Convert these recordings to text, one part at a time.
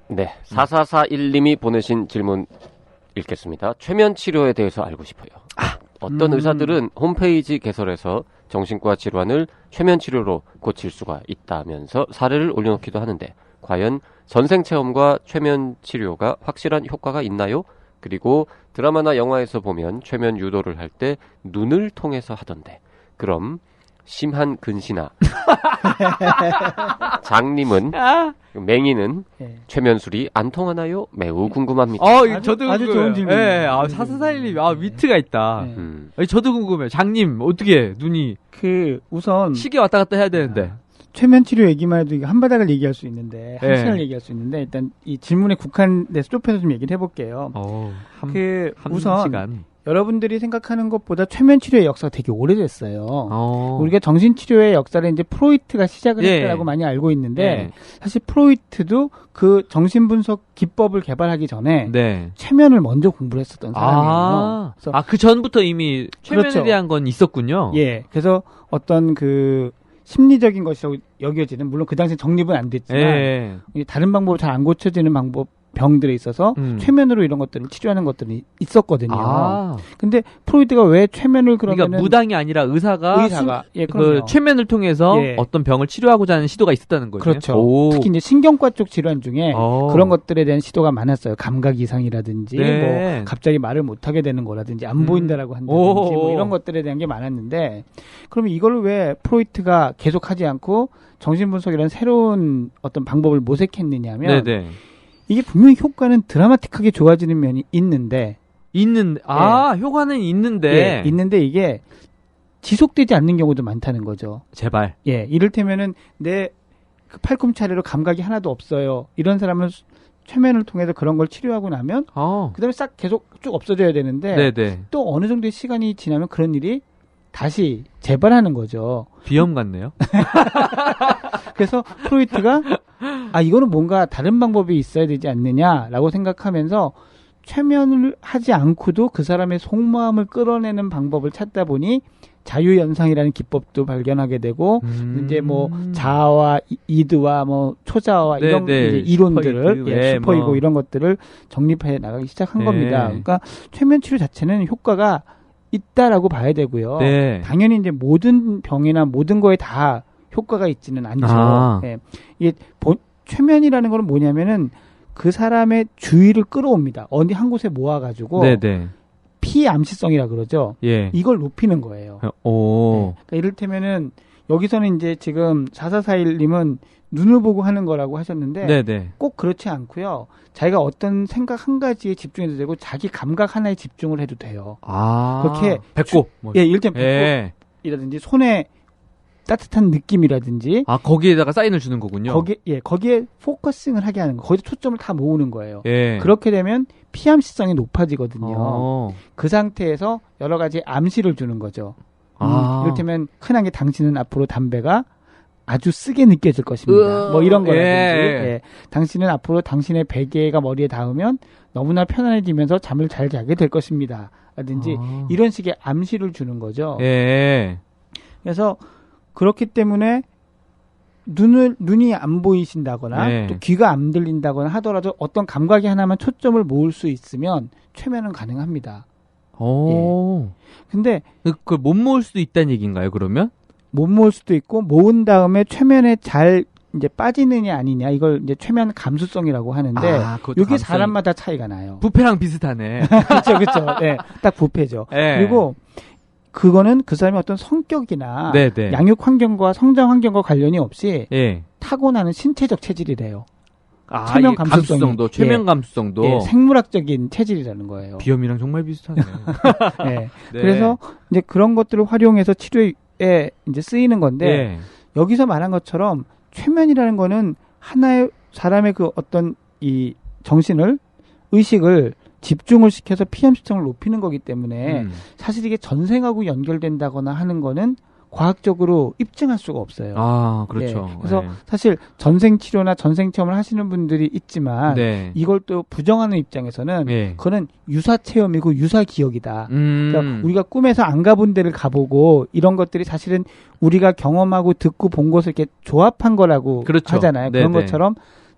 네, 4441님이 보내신 질문 읽겠습니다. 최면 치료에 대해서 알고 싶어요. 어떤 의사들은 홈페이지 개설해서 정신과 질환을 최면 치료로 고칠 수가 있다면서 사례를 올려놓기도 하는데 과연 선생 체험과 최면 치료가 확실한 효과가 있나요? 그리고 드라마나 영화에서 보면 최면 유도를 할 때 눈을 통해서 하던데 그럼 심한 근시나 장님은 맹이는 최면술이 안 통하나요? 매우 궁금합니다. 저도 아주 좋은 질문. 네, 4441님, 위트가 있다. 네. 아니, 저도 궁금해요. 장님, 어떻게 눈이 우선 시계 왔다 갔다 해야 되는데. 최면 치료 얘기만 해도 이게 한 바닥을 얘기할 수 있는데 한 네. 시간을 얘기할 수 있는데 일단 이 질문에 국한돼서 좁혀서 좀 얘기를 해볼게요. 한 우선 시간. 여러분들이 생각하는 것보다 최면 치료의 역사가 되게 오래됐어요. 우리가 정신치료의 역사를 이제 프로이트가 시작을 했다고 많이 알고 있는데 사실 프로이트도 그 정신분석 기법을 개발하기 전에 최면을 먼저 공부를 했었던 사람이에요. 그래서 그 전부터 이미 최면에 그렇죠. 대한 건 있었군요. 예, 그래서 어떤 그 심리적인 것이라고 여겨지는 물론 그 당시 정립은 안 됐지만 다른 방법으로 잘 안 고쳐지는 병들에 있어서 최면으로 이런 것들을 치료하는 것들이 있었거든요. 근데 프로이트가 왜 최면을 그러니까 무당이 아니라 의사가 그 최면을 통해서 어떤 병을 치료하고자 하는 시도가 있었다는 거죠. 그렇죠. 특히 이제 신경과 쪽 질환 중에 그런 것들에 대한 시도가 많았어요. 감각 이상이라든지 뭐 갑자기 말을 못하게 되는 거라든지 안 보인다라고 한다든지 뭐 이런 것들에 대한 게 많았는데 그러면 이걸 왜 프로이트가 계속하지 않고 정신분석이라는 새로운 어떤 방법을 모색했느냐면 이게 분명히 효과는 드라마틱하게 좋아지는 면이 있는데 효과는 있는데 있는데 이게 지속되지 않는 경우도 많다는 거죠. 제발. 이를테면은 내 그 팔꿈차례로 감각이 하나도 없어요. 이런 사람은 최면을 통해서 그런 걸 치료하고 나면 그다음에 싹 계속 쭉 없어져야 되는데 또 어느 정도의 시간이 지나면 그런 일이 다시 재발하는 거죠. 비염 같네요. 그래서 프로이트가 이거는 뭔가 다른 방법이 있어야 되지 않느냐라고 생각하면서 최면을 하지 않고도 그 사람의 속마음을 끌어내는 방법을 찾다 보니 자유연상이라는 기법도 발견하게 되고 이제 뭐 자아와 이드와 뭐 초자아와 이런 이제 이론들을 슈퍼이고 이런 것들을 정립해 나가기 시작한 겁니다. 그러니까 최면 치료 자체는 효과가 있다라고 봐야 되고요. 당연히 이제 모든 병이나 모든 거에 다 효과가 있지는 않죠. 이게 최면이라는 건 뭐냐면은 그 사람의 주의를 끌어옵니다. 어디 한 곳에 모아가지고 피암시성이라 그러죠. 이걸 높이는 거예요. 그러니까 이를테면은 여기서는 이제 지금 4441님은 눈을 보고 하는 거라고 하셨는데 꼭 그렇지 않고요. 자기가 어떤 생각 한 가지에 집중해도 되고 자기 감각 하나에 집중을 해도 돼요. 그렇게 배꼽. 이를테면 배꼽이라든지 손에 따뜻한 느낌이라든지 거기에다가 사인을 주는 거군요. 거기에 포커싱을 하게 하는 거. 거기에 초점을 다 모으는 거예요. 그렇게 되면 피암시성이 높아지거든요. 그 상태에서 여러 가지 암시를 주는 거죠. 이를테면 흔한 게 당신은 앞으로 담배가 아주 쓰게 느껴질 것입니다. 뭐 이런 거라든지 당신은 앞으로 당신의 베개가 머리에 닿으면 너무나 편안해지면서 잠을 잘 자게 될 것입니다. 라든지 이런 식의 암시를 주는 거죠. 그래서 그렇기 때문에 눈이 안 보이신다거나 또 귀가 안 들린다거나 하더라도 어떤 감각이 하나만 초점을 모을 수 있으면 최면은 가능합니다. 근데 그걸 못 모을 수도 있다는 얘기인가요, 그러면? 못 모을 수도 있고 모은 다음에 최면에 잘 이제 빠지느냐 아니냐 이걸 이제 최면 감수성이라고 하는데 이게 사람마다 차이가 나요. 부패랑 비슷하네. 그렇죠. 딱 부패죠. 그리고 그거는 그 사람의 어떤 성격이나 양육 환경과 성장 환경과 관련이 없이 타고나는 신체적 체질이래요. 최면 감수성도 최면 감수성도 생물학적인 체질이라는 거예요. 비염이랑 정말 비슷하네. 그래서 이제 그런 것들을 활용해서 치료에 이제 쓰이는 건데 여기서 말한 것처럼 최면이라는 거는 하나의 사람의 그 어떤 이 정신을 의식을 집중을 시켜서 피암시성을 높이는 거기 때문에 사실 이게 전생하고 연결된다거나 하는 거는 과학적으로 입증할 수가 없어요. 그렇죠. 그래서 사실 전생 치료나 전생 체험을 하시는 분들이 있지만 이걸 또 부정하는 입장에서는 그거는 유사 체험이고 유사 기억이다. 그러니까 우리가 꿈에서 안 가본 데를 가보고 이런 것들이 사실은 우리가 경험하고 듣고 본 것을 이렇게 조합한 거라고 하잖아요. 그런 것처럼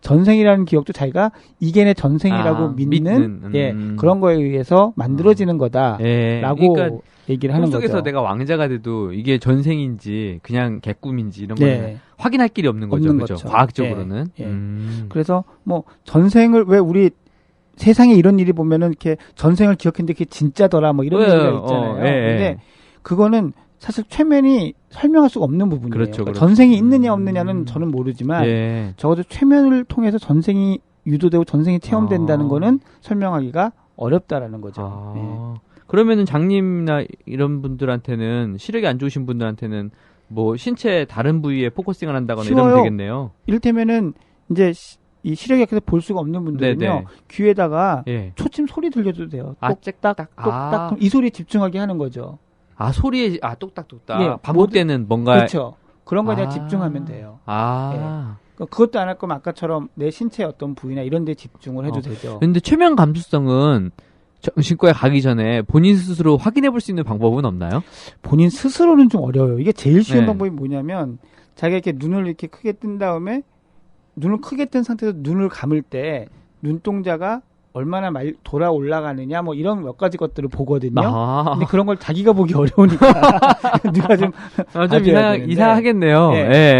전생이라는 기억도 자기가 이게 내 전생이라고 믿는 예, 그런 거에 의해서 만들어지는 거다라고 그러니까 얘기를 하는 꿈속에서 거죠. 내가 왕자가 돼도 이게 전생인지 그냥 개꿈인지 이런 거는 확인할 길이 없는 거죠. 그죠? 과학적으로는. 그래서 뭐 전생을 왜 우리 세상에 이런 일이 보면은 이렇게 전생을 기억했는데 그게 진짜더라 뭐 이런 얘기가 있잖아요. 근데 그거는 사실 최면이 설명할 수가 없는 부분이에요. 그렇죠, 그러니까 전생이 있느냐 없느냐는 저는 모르지만 적어도 최면을 통해서 전생이 유도되고 전생이 체험된다는 거는 설명하기가 어렵다라는 거죠. 그러면은 장님이나 이런 분들한테는 시력이 안 좋으신 분들한테는 뭐 신체 다른 부위에 포커싱을 한다거나 이러면 되겠네요. 이를테면은 이제 이 시력이 약해서 볼 수가 없는 분들은요. 귀에다가 초침 소리 들려도 돼요. 똑딱 똑딱 이 소리에 집중하게 하는 거죠. 소리에 똑딱똑딱 반복되는 뭔가 그렇죠. 그런 거에 집중하면 돼요. 그것도 안 할 거면 아까처럼 내 신체의 어떤 부위나 이런 데 집중을 해도 되죠. 근데 최면 감수성은 정신과에 가기 전에 본인 스스로 확인해 볼 수 있는 방법은 없나요? 본인 스스로는 좀 어려워요. 이게 제일 쉬운 방법이 뭐냐면 자기가 이렇게 눈을 이렇게 크게 뜬 다음에 눈을 크게 뜬 상태에서 눈을 감을 때 눈동자가 얼마나 돌아 올라가느냐 뭐 이런 몇 가지 것들을 보거든요. 근데 그런 걸 자기가 보기 어려우니까 누가 좀 이상하겠네요.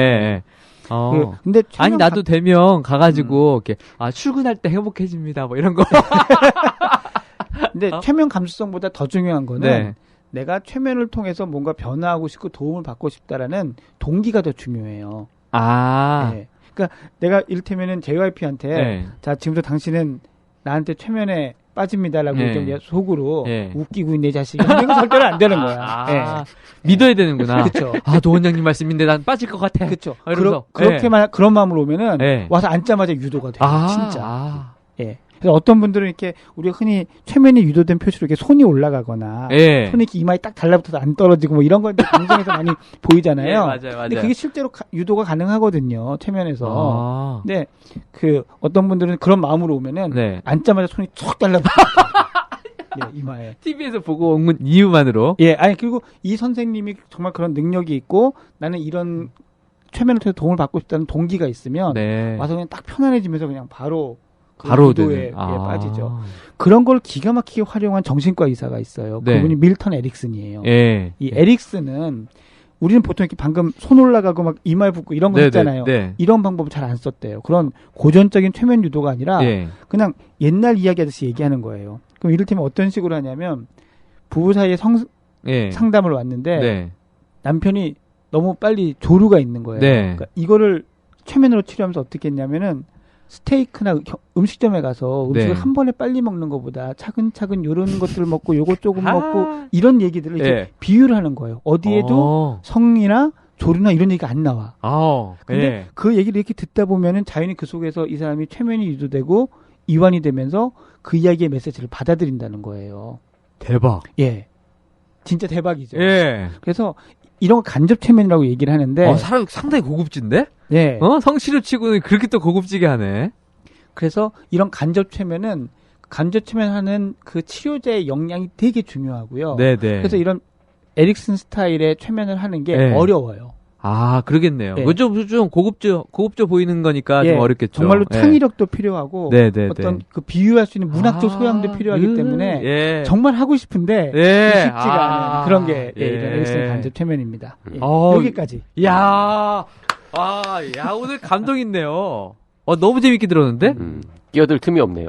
근데 아니 나도 되면 가가지고 이렇게 출근할 때 행복해집니다 뭐 이런 거. 근데 최면 감수성보다 더 중요한 거는 내가 최면을 통해서 뭔가 변화하고 싶고 도움을 받고 싶다라는 동기가 더 중요해요. 그러니까 내가 이를테면은 JYP한테 자 지금부터 당신은 나한테 최면에 빠집니다라고 좀 속으로 웃기고 있네 자식이 이런 거 절대로 안 되는 거야. 믿어야 되는구나. 그렇죠. 노 원장님 말씀인데 난 빠질 것 같아. 그렇죠. 그렇게만 그런 마음으로 오면은 와서 앉자마자 유도가 돼요. 진짜. 그래서 어떤 분들은 이렇게 우리가 흔히 최면이 유도된 표시로 이렇게 손이 올라가거나 손이 이렇게 이마에 딱 달라붙어서 안 떨어지고 뭐 이런 건 방송에서 많이 보이잖아요. 맞아요. 근데 그게 실제로 유도가 가능하거든요. 최면에서. 근데 그 어떤 분들은 그런 마음으로 오면은 앉자마자 손이 툭 달라붙어요. 이마에. TV에서 보고 온 이유만으로. 그리고 이 선생님이 정말 그런 능력이 있고 나는 이런 최면을 통해서 도움을 받고 싶다는 동기가 있으면 와서 그냥 딱 편안해지면서 그냥 바로 유도에 빠지죠. 그런 걸 기가 막히게 활용한 정신과 의사가 있어요. 그분이 밀턴 에릭슨이에요. 이 에릭슨은 우리는 보통 이렇게 방금 손 올라가고 막 이마에 붓고 이런 거 했잖아요. 이런 방법을 잘 안 썼대요. 그런 고전적인 최면 유도가 아니라 그냥 옛날 이야기 하듯이 얘기하는 거예요. 그럼 이를테면 어떤 식으로 하냐면 부부 사이에 상담을 왔는데 남편이 너무 빨리 조루가 있는 거예요. 그러니까 이거를 최면으로 치료하면서 어떻게 했냐면은 스테이크나 음식점에 가서 음식을 한 번에 빨리 먹는 것보다 차근차근 요런 것들을 먹고 요거 조금 먹고 이런 얘기들을 이제 비유를 하는 거예요. 어디에도 성이나 조류나 이런 얘기가 안 나와. 근데 그 얘기를 이렇게 듣다 보면은 자연히 그 속에서 이 사람이 최면이 유도되고 이완이 되면서 그 이야기의 메시지를 받아들인다는 거예요. 대박. 진짜 대박이죠. 그래서 이런 거 간접 최면이라고 얘기를 하는데 사람 상당히 고급진데? 성치료 치고는 그렇게 또 고급지게 하네. 그래서 이런 간접 최면은 간접 최면하는 그 치료자의 역량이 되게 중요하고요. 그래서 이런 에릭슨 스타일의 최면을 하는 게 어려워요. 그러겠네요. 좀 고급져 보이는 거니까 좀 어렵겠죠. 정말로 창의력도 필요하고 어떤 그 비유할 수 있는 문학적 소양도 필요하기 때문에 정말 하고 싶은데 쉽지가 않은 그런 게 이런 에릭슨 간접 최면입니다. 여기까지. 오늘 감동 있네요. 너무 재밌게 들었는데? 끼어들 틈이 없네요.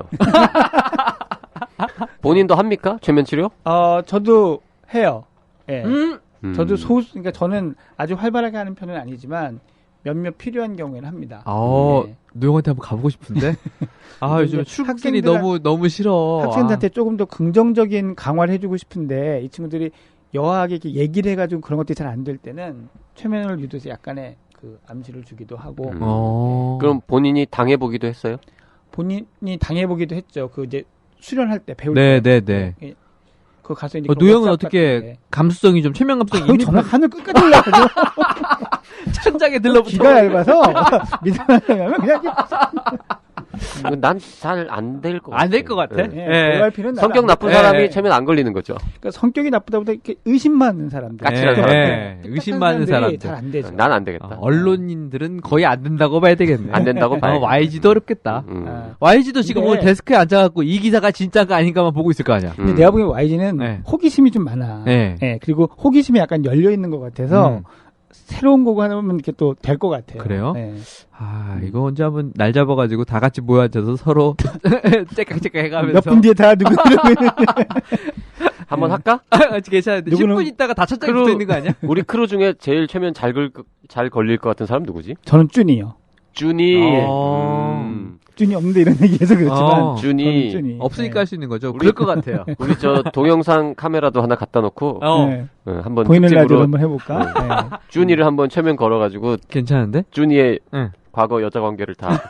본인도 합니까? 최면 치료? 저도 해요. 저도 그러니까 저는 아주 활발하게 하는 편은 아니지만 몇몇 필요한 경우에는 합니다. 노영한테 한번 가보고 싶은데. 요즘 출근길이 너무 싫어. 학생들한테 조금 더 긍정적인 강화를 해주고 싶은데 이 친구들이 여하게 이렇게 얘기를 해가지고 그런 것들이 잘 안 될 때는 최면을 유도해서 약간의 그 암시를 주기도 하고. 그럼 본인이 당해보기도 했어요? 본인이 당해보기도 했죠. 그 이제 수련할 때 배울 때. 그 가서 이제 노영은 어떻게 감수성이 좀 최면 감수성이 정말 하늘 끝까지 올라가죠. 천장에 들러붙어. 귀가 얇아서 믿음을 하면 그냥 난 잘 안 될 것 같아. 안 될 것 같아? 네. 예, JYP는 성격 나쁜 예, 사람이 예. 최면 안 걸리는 거죠. 그러니까 성격이 나쁘다보다 이렇게 의심 많은 사람들. 까칠한 사람들. 의심 많은 사람들. 잘안 되죠. 난 안 되겠다. 언론인들은 거의 안 된다고 봐야 되겠네. 안 된다고 봐야 YG도 어렵겠다. 아, YG도 지금 근데- 오늘 데스크에 앉아갖고 이 기사가 진짜가 아닌가만 보고 있을 거 아니야. 근데 내가 보기엔 YG는 네. 호기심이 좀 많아. 네. 예, 그리고 호기심이 약간 열려 있는 것 같아서 새로운 거고 하면 이렇게 또 될 것 같아요. 그래요? 예. 이거 언제 한번 날 잡아가지고 다 같이 모여 앉아서 서로 째깍째깍 해가면서. 몇 분 뒤에 다 누구 이러고 있는데. 한번 네. 할까? 괜찮은데. 누구는- 10분 있다가 다 첫째 크루- 붙어 있는 거 아니야? 우리 크루 중에 제일 최면 잘 걸릴 것 같은 사람 누구지? 저는 쭈니요. 준이. 어. 쭈니 없는데 이런 얘기해서 그렇지만 어. 준이. 저는 쭈니. 없으니까 할 수 있는 거죠. 우리- 그럴 것 같아요. 우리 저 동영상 카메라도 하나 갖다 놓고 네. 한번 보이는 라디오 특집으로 한번 해볼까? 네. 준이를 한번 최면 걸어가지고 괜찮은데? 준이의 응. 과거 여자 관계를 다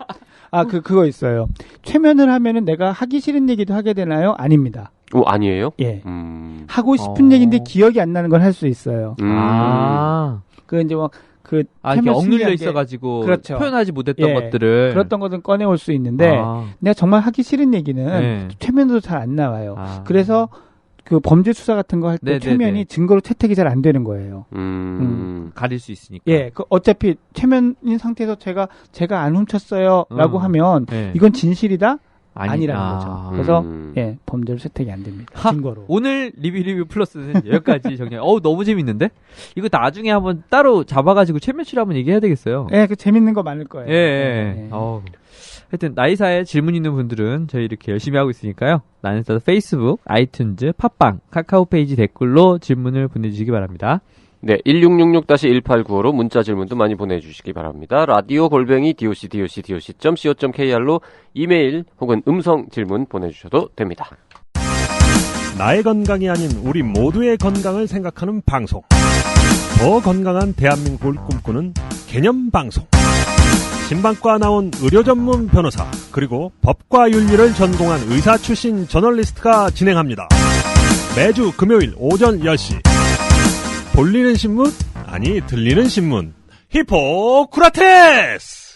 그거 있어요. 최면을 하면은 내가 하기 싫은 얘기도 하게 되나요? 아닙니다. 아니에요? 예. 하고 하고 싶은 어. 얘기인데 기억이 안 나는 걸 할 수 있어요. 그 이제 이렇게 이렇게 억눌려 심리하게 있어가지고. 그렇죠. 표현하지 못했던 예. 것들을. 그랬던 것은 꺼내올 수 있는데 내가 정말 하기 싫은 얘기는 네. 최면으로 잘 안 나와요. 그래서 그래서 그 범죄 수사 같은 거 할 때 네네네. 최면이 증거로 채택이 잘 안 되는 거예요. 가릴 수 있으니까. 예, 어차피 최면인 상태에서 제가 안 훔쳤어요라고 하면 예. 이건 진실이다 아니- 아니라는 아. 거죠. 그래서 예, 범죄로 채택이 안 됩니다. 하, 증거로. 오늘 리뷰 플러스는 여기까지 정리해. 너무 재밌는데? 이거 나중에 한번 따로 잡아가지고 최면치를 한번 얘기해야 되겠어요. 예, 그 재밌는 거 많을 거예요. 예. 예. 하여튼 나이사에 질문 있는 분들은 저희 이렇게 열심히 하고 있으니까요. 나는서도 페이스북, 아이튠즈, 팟빵, 카카오 페이지 댓글로 질문을 보내주시기 바랍니다. 네, 1666-1895로 문자 질문도 많이 보내주시기 바랍니다. 라디오 골뱅이 doc.co.kr로 이메일 혹은 음성 질문 보내주셔도 됩니다. 나의 건강이 아닌 우리 모두의 건강을 생각하는 방송. 더 건강한 대한민국을 꿈꾸는 개념 방송. 신방과 나온 의료 전문 변호사 그리고 법과 윤리를 전공한 의사 출신 저널리스트가 진행합니다. 매주 금요일 오전 10시. 볼리는 신문? 아니 들리는 신문. 히포크라테스!